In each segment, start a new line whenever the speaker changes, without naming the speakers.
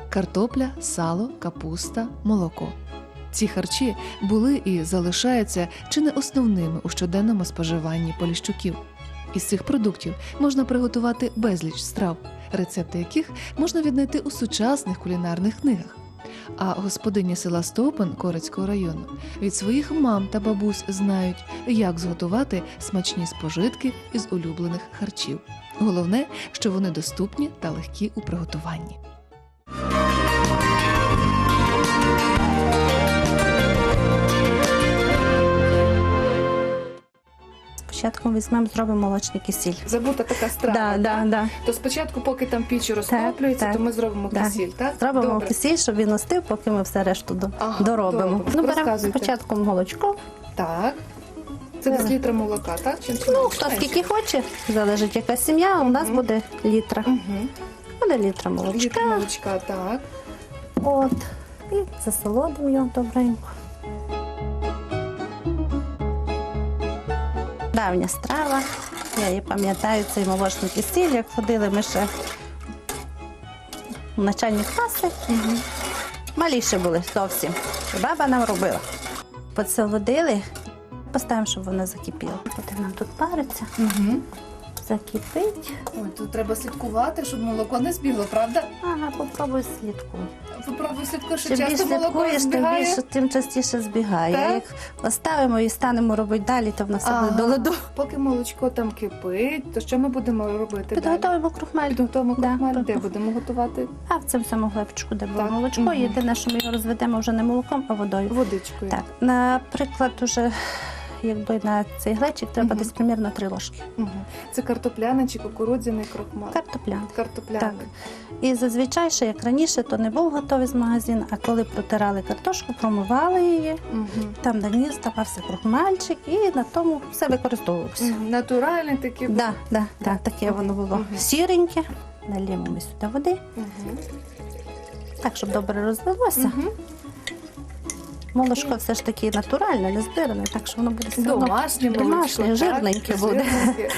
картопля, сало, капуста, молоко. Ці харчі були і залишаються чи не основними у щоденному споживанні поліщуків. Із цих продуктів можна приготувати безліч страв, рецепти яких можна віднайти у сучасних кулінарних книгах. А господині села Стовпин Корецького району від своїх мам та бабусь знають, як зготувати смачні спожитки із улюблених харчів. Головне, що вони доступні та легкі у приготуванні.
Спочатку візьмемо, зробимо молочний кисіль.
Забута така страва.
Да.
То спочатку, поки там піч розтоплюється,
так.
то ми зробимо кисіль, так?
Зробимо
Добре.
кисіль, щоб він остив, поки ми все решту доробимо.
добре.
Ну, беремо
Розказуйте.
спочатку молочко.
Так. Це десь літра молока, так? Чи
Ну, хто скільки хоче, залежить яка сім'я, у нас буде літра.
Угу.
Буде літра молочка.
Літр молочка, так.
От. І засолодимо його добренько. Давня страва. Я її пам'ятаю, цей молочний кисіль, як ходили ми ще в начальні класи.
Угу.
Малі ще були зовсім. І баба нам робила. Посолодили, поставимо, щоб воно закипіло. Буде нам тут париться,
Угу.
закипить.
Ой, тут треба слідкувати, щоб молоко не збігло, правда?
Ага, попробуй слідкуй.
Попробуй слідкуй, що
Чим більше
часто молоко
слідкуєш, тим
збігає.
більше, тим частіше збігає.
Так?
Як поставимо і станемо робити далі, то в нас все буде до ладу.
Поки молочко там кипить, то що ми будемо робити далі?
Підготуємо крохмаль.
Підготуємо
Да,
крохмаль, де
крохмаль.
будемо готувати?
А в цьому самому глечку, де було
Так.
молочко.
Мгм.
Єдине, що ми його розведемо вже не молоком, а водою.
Водичкою.
Так, наприклад, уже якби на цей глечик треба
Мгм.
десь примірно 3 ложки.
Угу. Це картопляний чи кукурудзяний крохмаль?
Картопляна.
Картопляний.
Так. І зазвичай, ще як раніше, то не був готовий з магазину, а коли протирали картошку, промивали її,
Угу.
там на ній ставався крохмальчик і на тому все використовувалося.
Натуральний такий.
Таке воно було
Мгм.
сіреньке. Наліємо ми сюди води,
Угу.
так, щоб добре розлилося.
Угу.
Молочко все ж таки натуральне, не збиране, так що воно буде все одно
Домашнє молочко.
домашнє,
так,
жирненьке буде.
жирненьке.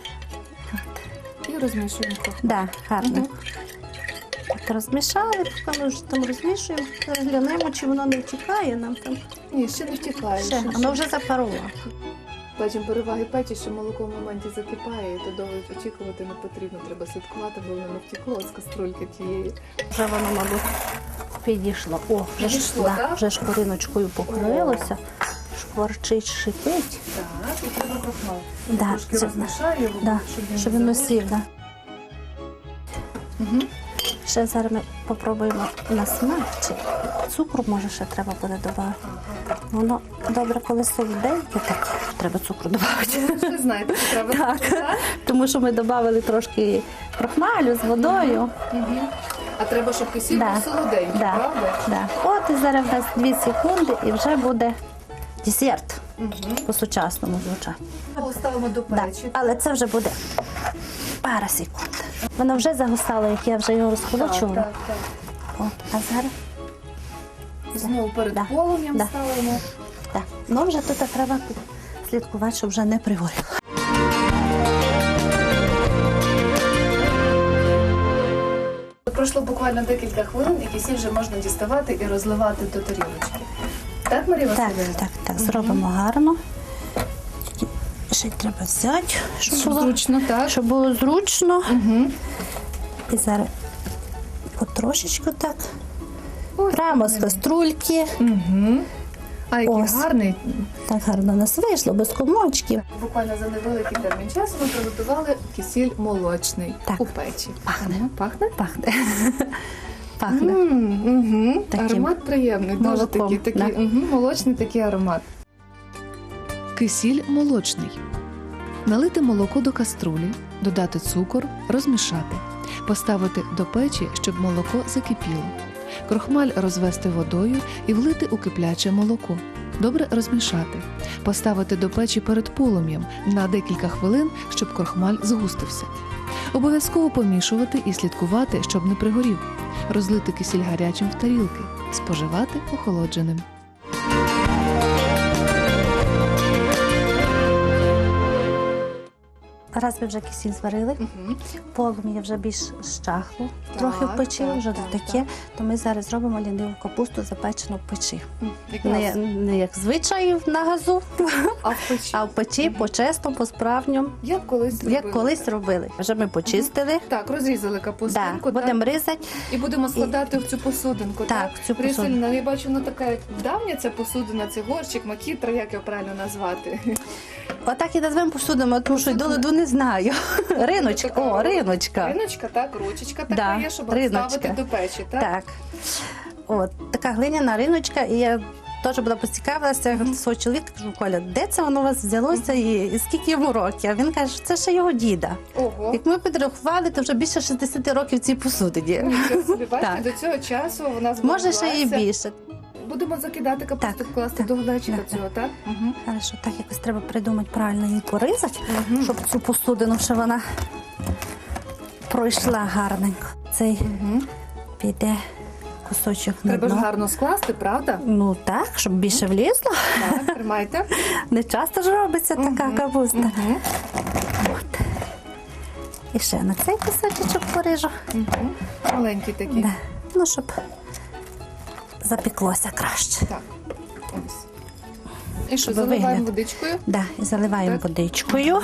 І розмішуємо трохи.
Да, гарно.
Мгм.
Так, розмішали, поки ми вже там розмішуємо, розглянемо, чи воно не втікає нам там.
Ні, ще не втікає.
Ще, воно вже запарувало.
Бачимо переваги печі, що молоко в моменті закипає, і то довго очікувати не потрібно. Треба слідкувати, бо воно не втекло з каструльки тієї.
Вже воно, мабуть, підійшло. О, вже ж,
Підійшло, так?
вже шкуриночкою покрилося, шкварчить, шипить.
Так, і треба крохмал.
Да,
Трошки
це-
розмішаю його,
Да, щоб він усів. Да.
Угу.
Ще зараз ми попробуємо на смак, чи цукру може ще треба буде додати. Воно добре, коли солоденьке, так треба цукру додати.
Ви знаєте, що треба.
Так, тому що ми додали трошки крохмалю з водою.
Угу. А треба, щоб кисіль
Да.
був солоденький,
Да.
правда?
Да. От і зараз в нас 2 секунди і вже буде десерт
Угу.
по-сучасному звучати.
Ставимо до
Да.
печі.
Але це вже буде пара секунд. Воно вже загусало, як я вже його розхолочувала.
Так.
От, а зараз
Знову перед
Да.
полум'ям
Да.
ставимо.
так. Ну вже тут треба слідкувати, щоб вже не пригоріло.
Пройшло буквально декілька хвилин, і кисіль вже можна діставати і розливати до тарілочки. Так, Марія
Так,
Василівна?
так, зробимо гарно. Тільки ще й треба взяти, щоб було зручно.
Угу.
І зараз потрошечку так. Прямо з каструльки.
Угу. А який
Ось.
гарний.
Так гарно у нас вийшло, без комочків.
Буквально за невеликий термін часу ми приготували кисіль молочний
Так.
у печі.
Пахне.
Ага, пахне?
Пахне. Пахне.
Угу.
Таким
Аромат приємний, дуже
молоком,
такий,
да.
молочний такий аромат.
Кисіль молочний. Налити молоко до каструлі, додати цукор, розмішати. Поставити до печі, щоб молоко закипіло. Крохмаль розвести водою і влити у кипляче молоко. Добре розмішати. Поставити до печі перед полум'ям на декілька хвилин, щоб крохмаль згустився. Обов'язково помішувати і слідкувати, щоб не пригорів. Розлити кисіль гарячим в тарілки. Споживати охолодженим.
раз ви вже кисіль зварили, полум'я вже більш щахло, трохи в печі,
так,
вже
так,
таке,
так.
то ми зараз зробимо ліниву капусту запечену в печі.
Якраз.
Не як звичай на газу,
А в печі?
а в печі по-чесному, по-справжньому,
Як колись робили?
як колись робили. Вже ми почистили,
Так, розрізали капустинку,
да, будемо різати.
і будемо складати в цю посудинку,
Так, в цю
Марія
посудинку.
Василівна, я бачу, вона така як давня ця посудина, це горщик, макітра, як його правильно назвати?
Отак і назвемо посудимо, тому що й до ладу не знаю. Риночка, о, риночка.
Риночка, так, ручечка така
Да,
є, щоб
риночка.
ставити до печі, так?
Так. От, така глиняна риночка, і я теж була поцікавилася свого чоловіка, кажу, Коля, де це воно у вас взялося і скільки йому років? А він каже, що це ще його діда.
Ого.
Як ми підрахували, то вже більше 60 років цій посудині.
Нічого собі, бачите,
Так.
до цього часу вона
Може, ще і
збереглася.
більше.
Будемо закидати капусту,
Так,
вкласти
так,
до глечика
так.
цього, так? Угу.
Хорошо, так якось треба придумати правильно її порізати, щоб цю посудину ще вона пройшла гарненько. Цей піде кусочок на
Треба ж
дно.
гарно скласти, правда?
Ну так, щоб більше влізло.
Так, тримайте.
Не часто ж робиться така капуста.
Угу.
От. І ще на цей кусочок поріжу.
Угу. Маленький такий.
Да. Ну, щоб запеклося краще.
Так. Ось. І що,
Щоб
заливаємо
вигляд.
водичкою?
Да, і заливаємо
Так.
водичкою.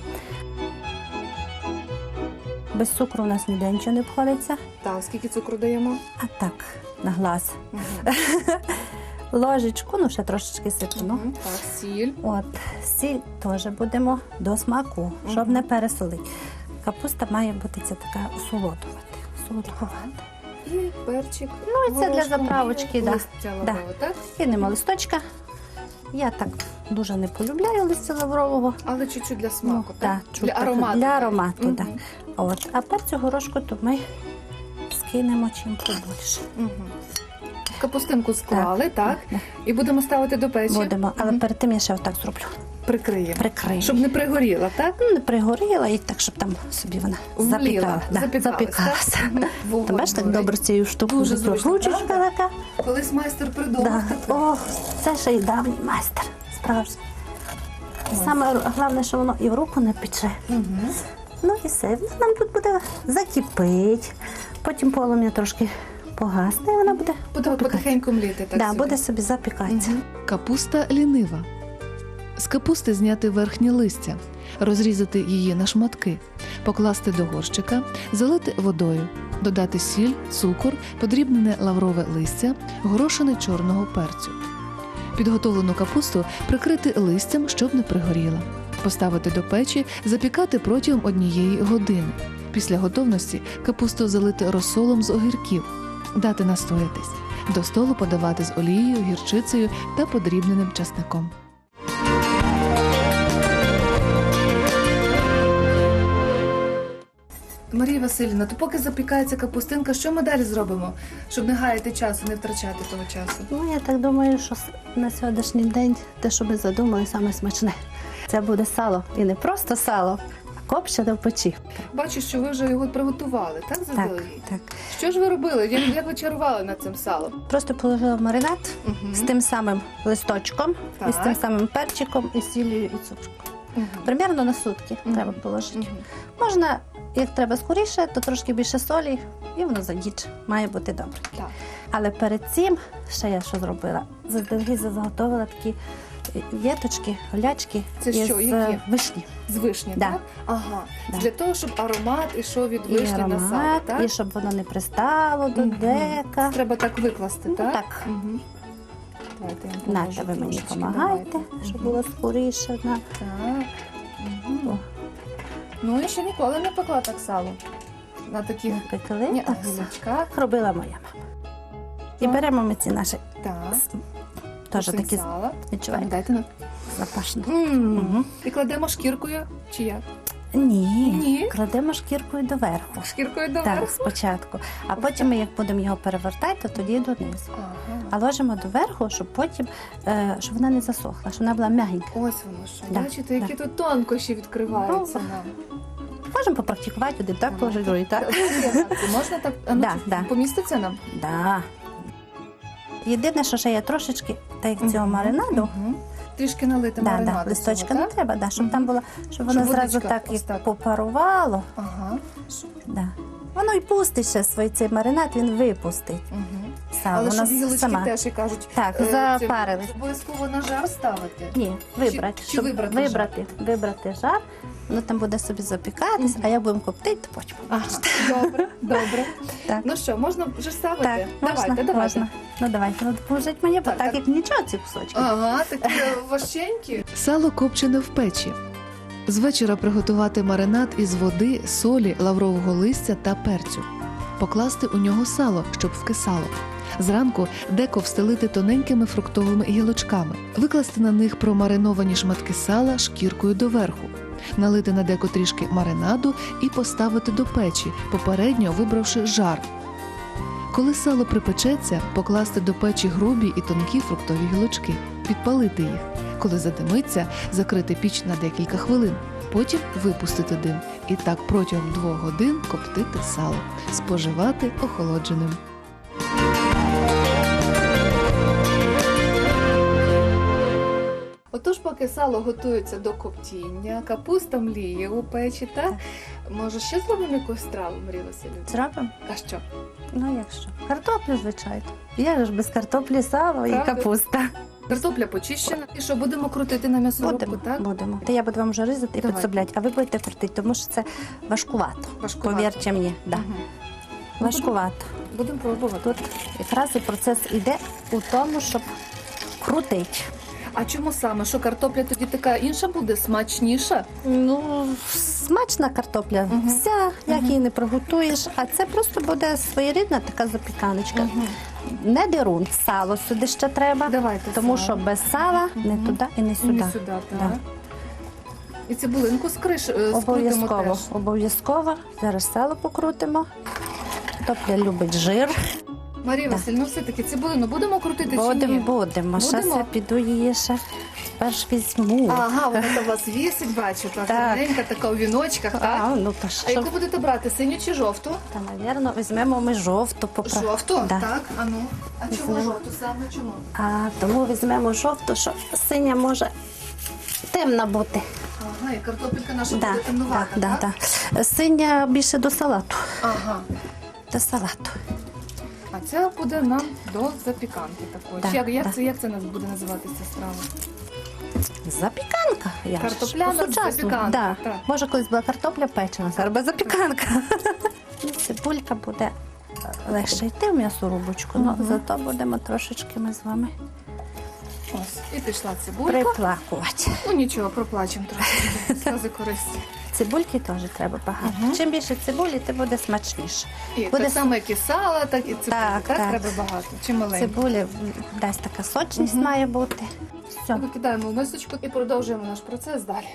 Без цукру у нас ніде нічого не обходиться.
Так, скільки цукру даємо?
А так, на глаз.
Угу.
Ложечку, ну ще трошечки сипну.
Так, сіль.
От, сіль теж будемо до смаку, щоб не пересолити. Капуста має бути ця така солодкувата.
І перчик.
Ну, і це для
горошком,
заправочки,
і
да.
листя лаврового, так?
Кинемо листочка. Я так дуже не полюбляю листя лаврового.
Але чуть-чуть для смаку,
Ну,
так?
так,
Для
чуть
аромату.
Для аромату,
Мгм.
так. От. А перцю горошку то ми скинемо чим побільше.
Мгм. Капустинку склали, так?
Так.
І будемо ставити до печі.
Будемо, але перед тим я ще отак зроблю.
Прикриємо.
Прикрию.
Щоб не пригоріла, так?
Ну, не пригоріла і так, щоб там собі вона
Вліла,
запікала. Да,
запікалась,
запікалася.
так? Мгм.
Ти
Вогонь
бачиш, так
горить.
добре цією штукою.
Дуже зручно,
Ручечка
правда?
така.
Колись майстер придумав
Да.
таке.
О, це ще й давній майстер. Справжній. Саме головне, що воно і в руку не пече.
Мгм.
Ну і все. Нам тут буде закипить. Потім полум'я трошки погасне, і вона буде
Буде
запікатися.
потихеньку мліти, так?
Да,
собі.
буде собі запікатися.
Мгм.
Капуста лінива. З капусти зняти верхнє листя, розрізати її на шматки, покласти до горщика, залити водою, додати сіль, цукор, подрібнене лаврове листя, горошини чорного перцю. Підготовлену капусту прикрити листям, щоб не пригоріла. Поставити до печі, запікати протягом 1 години. Після готовності капусту залити розсолом з огірків, дати настоятись. До столу подавати з олією, гірчицею та подрібненим часником.
Марія Василівна, то поки запікається капустинка, що ми далі зробимо, щоб не гаяти часу, не втрачати того часу?
Ну, я так думаю, що на сьогоднішній день те, що ми задумали, саме смачне. Це буде сало. І не просто сало, а копчене в печі.
Бачу, що ви вже його приготували, так,
Так,
заздалегідь?
так.
Що ж ви робили? Як ви чарували над цим салом?
Просто положила в маринад
Мгм.
з тим самим листочком, і з
Так.
тим самим перчиком, і сіллю, і цукром.
Мгм.
Примерно на сутки
Мгм.
треба положити.
Мгм.
Можна, як треба скоріше, то трошки більше солі, і воно задіче. Має бути добре.
Так.
Але перед цим ще я що зробила? Заздалегідь заготовила такі віточки, голячки
Це
із
що, які?
вишні.
З вишні,
Да.
так? Ага.
Да.
Для того, щоб аромат ішов від
І
вишні на
аромат,
сало, так?
і щоб воно не пристало до
Мгм.
дека.
Треба так викласти,
Ну,
так?
так.
Мгм. Давайте я вам
Нате,
поможу
ви мені
трошечки,
допомагайте,
давайте.
щоб
Мгм.
було скоріше.
Так. Мгм.
О.
Ну, я ще ніколи не пекла так сало. На таких
Пекли,
ні,
так само.
гілочках.
Робила моя мама. І беремо ми ці наші
Так.
теж
Кусень
такі
сала.
відчуваєте,
Дайте на.
запашні.
Мгм. І кладемо шкіркою чи як?
Ні,
Ні.
кладемо шкіркою доверху.
Шкіркою
Так,
доверху?
спочатку. А потім ми, як будемо його перевертати, то тоді донизу.
Ага.
А ложимо доверху, щоб потім, щоб вона не засохла, щоб вона була м'ягенька.
Ось воно що.
Да,
Бачите, які
да.
тут тонкощі відкриваються
Ну,
нам.
Можемо попрактикувати один так, положити другий так.
Можна так? А ну,
Да,
чи
да.
поміститься нам?
Да. Єдине, що ще я трошечки, так як цього маринаду,
Мгм. трішки налити
Да,
маринаду.
да, листочка
цього,
не
так?
треба, да, щоб
Мгм.
там було, щоб воно
Щоб
зразу
водичка
так
ось
і
так.
попарувало.
Ага.
Да. Воно і пустить ще свій цей маринад, він випустить.
Угу.
Сам,
Але
воно
щоб гілочки
сама.
теж, як кажуть,
Так,
це
запарились.
обов'язково на жар ставити.
Ні, вибрати.
чи
щоб вибрати жар, воно там буде собі запікатись,
Мгм.
а як будемо коптити, то потім.
Ага, добре, добре.
Так.
Ну що, можна вже ставити?
Так,
Давайте,
можна,
давайте.
можна. Ну давайте, ну поможіть мені, бо
Так,
так,
так.
як нічого ці кусочки.
Ага, такі важченькі.
Сало копчене в печі. З вечора приготувати маринад із води, солі, лаврового листя та перцю. Покласти у нього сало, щоб вкисало. Зранку деко встелити тоненькими фруктовими гілочками, викласти на них промариновані шматки сала шкіркою доверху, налити на деко трішки маринаду і поставити до печі, попередньо вибравши жар. Коли сало припечеться, покласти до печі грубі і тонкі фруктові гілочки, підпалити їх. Коли задимиться, закрити піч на декілька хвилин. Потім випустити дим і так протягом 2 годин коптити сало, споживати охолодженим.
Отож, поки сало готується до коптіння, капуста мліє у печі, так? Може, ще зробимо якусь страву, Марія Василівна?
Зробимо?
А що?
Ну якщо. Картоплю, звичайно. Я ж без картоплі сало і
Правда?
капуста.
Картопля почищена. І що, будемо крутити на м'ясорубку,
Будемо,
так?
будемо. Та я буду вам вже різати і
Давай.
підсобляти, а ви будете крутити, тому що це важкувато.
Важкувато.
Повірте мені, да.
Мгм.
Важкувато.
Будемо пробувати.
Тут якраз і процес іде у тому, щоб крутити.
А чому саме? Що картопля тоді така інша буде, смачніша?
Ну, смачна картопля,
Мгм.
вся, як
Мгм.
її не приготуєш, а це просто буде своєрідна така запіканочка.
Мгм.
Не дерун, сало сюди ще треба,
Давайте
тому
сало.
що без сала не
Мгм.
туди і не сюди.
Не сюди, так.
Да.
І цибулинку скрутимо
Обов'язково,
теж.
обов'язково. Зараз сало покрутимо. Картопля любить жир.
Марія
Да.
Васильівна, все-таки цибулину будемо крутити чи ні?
Будемо. Зараз
Будемо?
я піду її ще перш візьму.
Ага, вона у вас вісить, бачу, так,
Так.
гарненька, така у віночках, так?
Ну то
А
що?
яку будете брати, синю чи жовту?
Та, навірно, візьмемо ми жовту.
Жовту?
Да.
Так, а ну. А чому
Візьмемо.
жовту саме? Чому?
А тому візьмемо жовту, що синя може темна бути.
Ага, і картопелька наша буде темнувата,
да,
так?
да. Синя більше до салату.
Ага.
До салату.
А це буде нам до запіканки такої.
Да,
Чи як
да.
як це у нас буде називатися страва?
Запіканка. Я ж
Картопляна
по-сучасному.
запіканка,
Да.
так.
Може, колись була картопля печена, зараз буде запіканка. Ну, цибулька буде легше йти в м'ясорубочку, але
Мгм.
зато будемо трошечки ми з вами
Ось. І пішла цибулька.
приплакувати.
Ну нічого, проплачемо трошки. Сльози користі.
Цибульки теж треба багато.
Мгм.
Чим більше цибулі, тим буде смачніше.
І
Буде
так само, як і сала, так і цибулі.
Так,
Так,
так.
треба багато. Чи маленько.
Цибулі дасть така сочність
Мгм.
має бути. Все.
Викидаємо в мисочку і продовжуємо наш процес далі.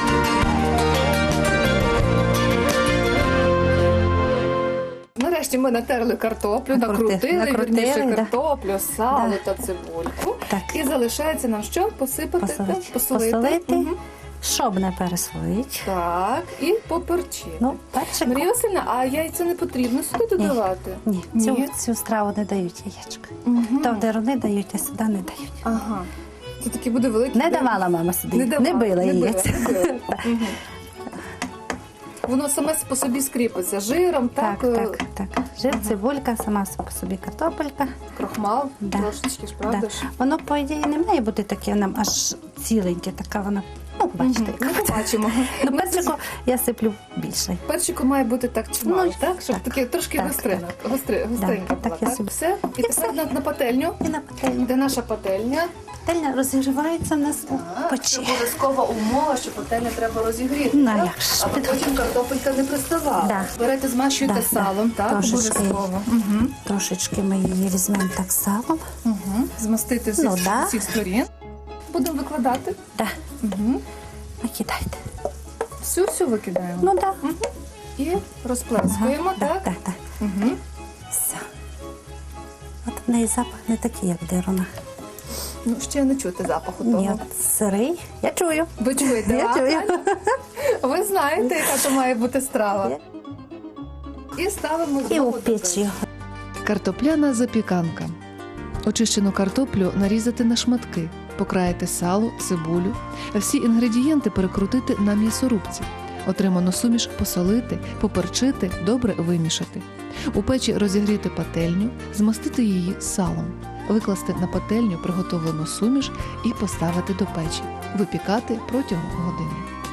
Нарешті ми натерли картоплю, накрутили, вірніше,
да.
картоплю, сало
Да.
та цибульку.
Так.
І залишається нам що? Посипати, так? Посолити. Мгм.
Щоб не пересолити.
Так, і поперчити.
Ну, перчик.
Марія Васильівна, а яйця не потрібно сюди додавати?
Ні,
Ні?
цю страву не дають яєчка.
Мгм.
То в деруни дають, а сюди не дають.
Ага. Це такі буде великі.
Не давала мама сюди.
Не давала,
била
не
її.
била. Мгм. Воно саме по собі скріпиться жиром, так,
Так. Жир, цибулька, сама по собі картопелька.
крохмал,
Да.
трошечки ж, правда
Да.
ж?
Воно, по ідеї, не має бути таке нам аж ціленьке, така вона. Ну, бачите.
Мгм. Ну, побачимо.
Ну, перчику я сиплю більше.
Перчику має бути так чимало,
Ну,
так? Щоб
так.
таке трошки
Так,
гостринка
Так,
була,
так, я
так?
собі-
Все? І тепер на пательню.
І на пательню.
Де наша пательня?
Пательня розігрівається в нас у
Це
печі.
обов'язкова умова, що пательню треба розігріти.
Ну,
так?
як ж.
Аби потім картопелька не приставала.
Да.
Берете, змащуєте
Да, да.
салом, так?
Трошечки.
Обов'язково. Угу.
Трошечки ми її візьмемо так салом.
Угу. Змастити з
Ну, да.
всіх сторін. Будемо викладати.
Да.
Угу.
Накидайте.
Всю викидаємо.
Ну так.
І розплескуємо, так?
Так, так.
Угу.
Все. От в неї запах не такий, як деруна.
Ну, ще не чути запаху
Ні,
того.
от сирий. Я чую.
Ви чуєте?
Я
а?
чую.
Ви знаєте, яка то має бути страва. І ставимо
І
знову
у
до
піч його.
Картопляна запіканка. Очищену картоплю нарізати на шматки, Покраїти сало, цибулю, всі інгредієнти перекрутити на м'ясорубці. Отриману суміш посолити, поперчити, добре вимішати. У печі розігріти пательню, змастити її салом, викласти на пательню приготовлену суміш і поставити до печі. Випікати протягом години.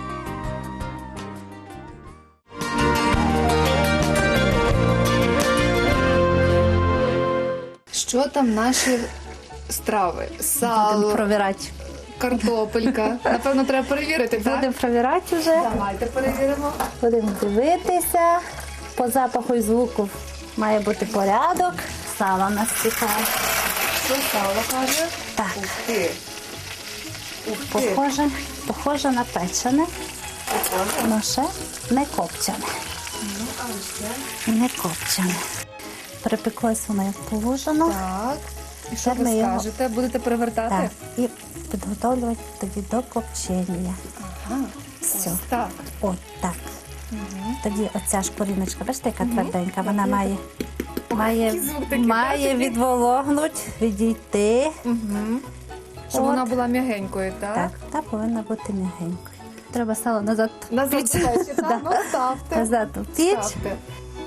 Що там наші страви?
Будемо
Сало,
провірати.
картопелька. Напевно, треба перевірити, так?
Будемо провірати вже.
Давайте перевіримо.
Будемо дивитися. По запаху і звуку має бути порядок. Сало у нас цікаве.
Що сало каже?
Так,
Ух ти. Ух ти.
похоже на печене,
Похоже.
але ще не копчене.
Ну, а ще.
Не копчене. Перепеклось воно як положено.
Так. І що
Тепер
ви
ми його-
скажете? Будете перевертати?
Так, і підготовлювати тоді до копчення.
Ага.
Все.
Ось так.
От так.
Угу.
Тоді оця шкоріночка, бачите, яка
Мгм.
тверденька, вона
Так,
має,
Який звук такий,
має
бачите?
відвологнути, відійти.
Угу. Щоб
От.
вона була м'ягенькою, так?
Так, та повинна бути м'ягенькою. Треба сало назад
Назад
піч.
печі, так?
Да.
Ну, ставте.
Назад у піч.
Ставте.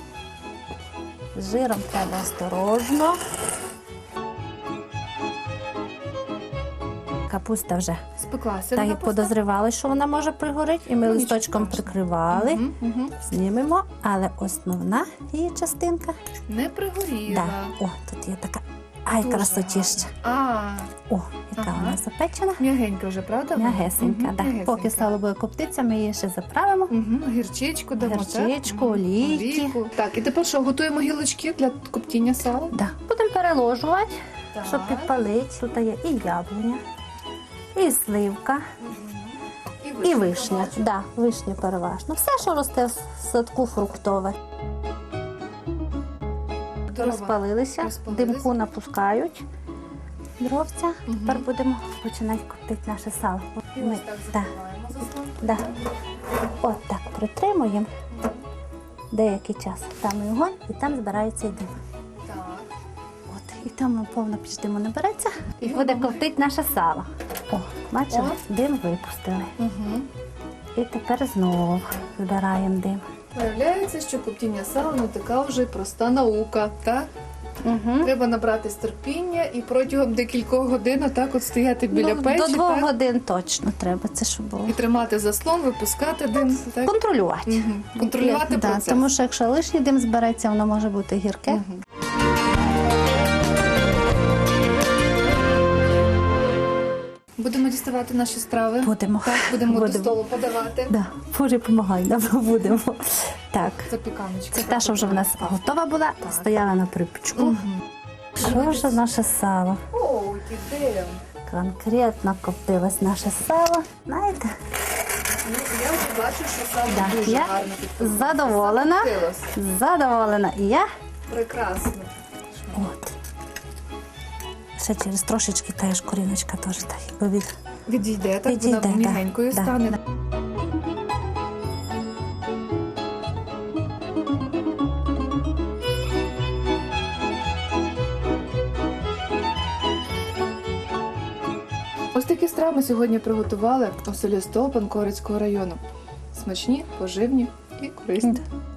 З жиром треба осторожно. Капуста вже
Спеклася.
так як подозрівали, що вона може пригоріти, і ми
Ну,
листочком
нічого страшного.
прикривали.
Угу. Угу.
Знімемо, але основна її частинка.
Не пригоріла.
Да. О, тут є така. Ай,
Дуже
красотіща.
А,
О, яка
Ага.
вона запечена.
м'ягенька вже, правда? вона?
М'ягесенька,
Мгм,
да.
м'ягесенька.
Поки сало буде коптитися, ми її ще заправимо.
Угу. Гірчичку дамо,
Гірчичку,
так? Мгм.
олійки.
Олійку. Так, і тепер що, готуємо гілочки для коптіння сала?
Да. Будемо переложувати,
Так.
щоб підпалити. Тут є і яблуня, і сливка, і вишня. Да, вишня переважно. Все, що росте в садку фруктове. Розпалилися, димку напускають. Дровця.
Мгм.
Тепер будемо починати коптити наше сало.
І
Ми,
ось так
да,
закриваємо заслонку.
да. От так притримуємо деякий час. Там і огонь, і там збирається і дим.
Так.
От, і там повна піч диму набереться, і
І
буде
воно-
коптити наше сало. О, бачили?
О.
Дим випустили.
Угу.
І тепер знову збираємо дим.
Виявляється, що коптіння сала не така вже й проста наука, так?
Угу.
Треба набратись терпіння і протягом декількох годин так от стояти біля печі,
До 2
так?
годин точно треба це, щоб було.
І тримати заслон, випускати дим, так?
Контролювати.
Мгм. Контролювати
Да,
процес.
тому що якщо лишній дим збереться, воно може бути гірке.
Мгм. Будемо діставати наші страви.
Будемо.
Так, будемо до
Будемо.
столу подавати.
Да. Боже, помагай нам, будемо. Так.
Запіканочка.
Це та, що вже в нас готова була,
Так.
стояла на припічку.
Мгм.
Що ж наше сало?
О, який дим.
Конкретно коптилось наше сало. Знаєте,
Ну, я вже бачу, що сало
Да,
дуже
я
гарно підкоптилось.
задоволена.
Закоптилось.
Задоволена і я.
Прекрасно.
От. Ще через трошечки та шкуріночка теж так, якби від...
Відійде, так
Відійде,
вона
да,
м'ягенькою
да,
стане.
да.
Ось такі страви ми сьогодні приготували у селі Столпан Корицького району. Смачні, поживні і корисні.
Да.